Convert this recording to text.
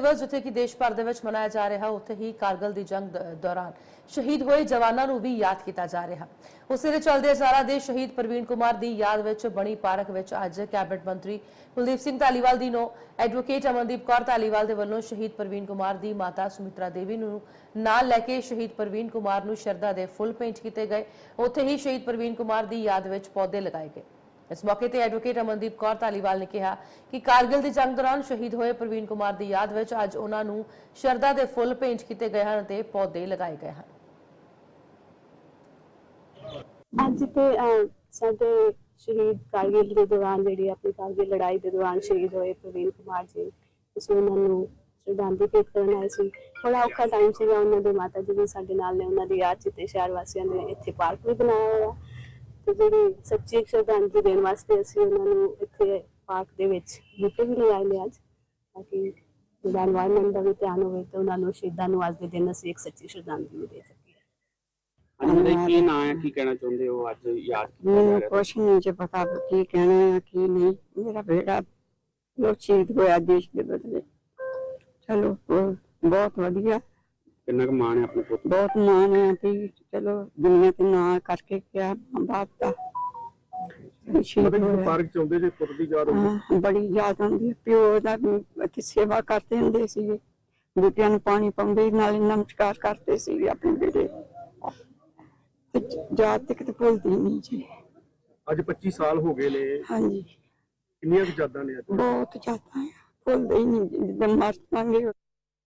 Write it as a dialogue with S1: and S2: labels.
S1: दिवस जिथे कि देश भर दे विच मनाया जा रहा, उत्थे ही कारगिल दी जंग दौरान शहीद होए जवानों नूं भी याद किया जा रहा। उसे दे चलदे सारा देश शहीद प्रवीण कुमार दी याद विच बणी पार्क विच अज कैबिनेट मंत्री कुलदीप सिंह धालीवाल दी नो एडवोकेट अमनदीप कौर धालीवाल दे वल्लों शहीद प्रवीण कुमार दी माता सुमित्रा देवी नूं नाल लैके शहीद प्रवीण कुमार नूं शरधा दे फुल भेंट किए गए। उत्थे ही शहीद प्रवीण कुमार दी याद विच पौधे लगाए गए। इस मौके ते एडवोकेट अमनदीप कौर धालीवाल ने कहा कि कारगिल दी जंग दौरान शहीद होए प्रवीण कुमार दी याद विच अज उन्हां नूं शरधा दे फुल भेंट किए गए हैं ते पौधे लगाए गए हैं।
S2: ਅੱਜ ਤੇ ਸਾਡੇ ਸ਼ਹੀਦ ਕਾਰਗਿਲ ਦੇ ਦੌਰਾਨ ਜਿਹੜੀ ਆਪਣੀ ਕਾਰਗਿਲ ਲੜਾਈ ਦੇ ਦੌਰਾਨ ਸ਼ਹੀਦ ਹੋਏ ਪ੍ਰਵੀਨ ਕੁਮਾਰ ਜੀ, ਅਸੀਂ ਉਹਨਾਂ ਨੂੰ ਸ਼ਰਧਾਂਜਲੀ ਭੇਟ ਕਰਨ ਆਏ ਸੀ। ਬੜਾ ਔਖਾ ਟਾਈਮ ਸੀਗਾ, ਉਹਨਾਂ ਦੇ ਮਾਤਾ ਜੀ ਵੀ ਸਾਡੇ ਨਾਲ ਨੇ, ਉਹਨਾਂ ਦੀ ਯਾਦ 'ਚ ਤੇ ਸ਼ਹਿਰ ਵਾਸੀਆਂ ਨੇ ਇੱਥੇ ਪਾਰਕ ਵੀ ਬਣਾਇਆ ਹੋਇਆ ਤੇ ਜਿਹੜੀ ਸੱਚੀ ਸ਼ਰਧਾਂਜਲੀ ਦੇਣ ਵਾਸਤੇ ਅਸੀਂ ਉਹਨਾਂ ਨੂੰ ਇੱਥੇ ਪਾਰਕ ਦੇ ਵਿੱਚ ਬੂਟੇ ਵੀ ਲਗਾਏ ਨੇ ਅੱਜ, ਤਾਂ ਕਿ ਜਿਹੜਾ ਐਨਵਾਇਰਨਮੈਂਟ ਦਾ ਵੀ ਧਿਆਨ ਹੋਵੇ ਤੇ ਉਹਨਾਂ ਨੂੰ ਸ਼ਹੀਦਾਂ ਨੂੰ ਅੱਜ ਦੇ ਦਿਨ ਅਸੀਂ ਇੱਕ ਸੱਚੀ ਸ਼ਰਧਾਂਜਲੀ ਦੇ ਸਕੀਏ।
S3: की ना है की कहना चाहते हो आज याद
S4: कुछ नहीं जो पता की कहना है की नहीं। मेरा बेटा लोग शहीद होया देश के बदले, चलो बहुत वधिया,
S3: कितना मान है अपने पुत्र,
S4: बहुत मान है भी चलो दुनिया के ना करके क्या मां बाप का
S3: पार्क चाहते जे पुत्र दी याद
S4: बड़ी याद आती है। प्यो दा इत्थे सेवा करते हुंदे सीगे, बूटियां नूं पानी पाउंदे नाल नमस्कार करते सीगे अपने बेटे याद तक तो भुलदी नहीं जी।
S3: आज 25 साल हो गए ने।
S4: हाँ जी,
S3: कितनी यादां ने?
S4: बहुत ज्यादा है, भुलदे ही नहीं जिद्दां मर जांगे।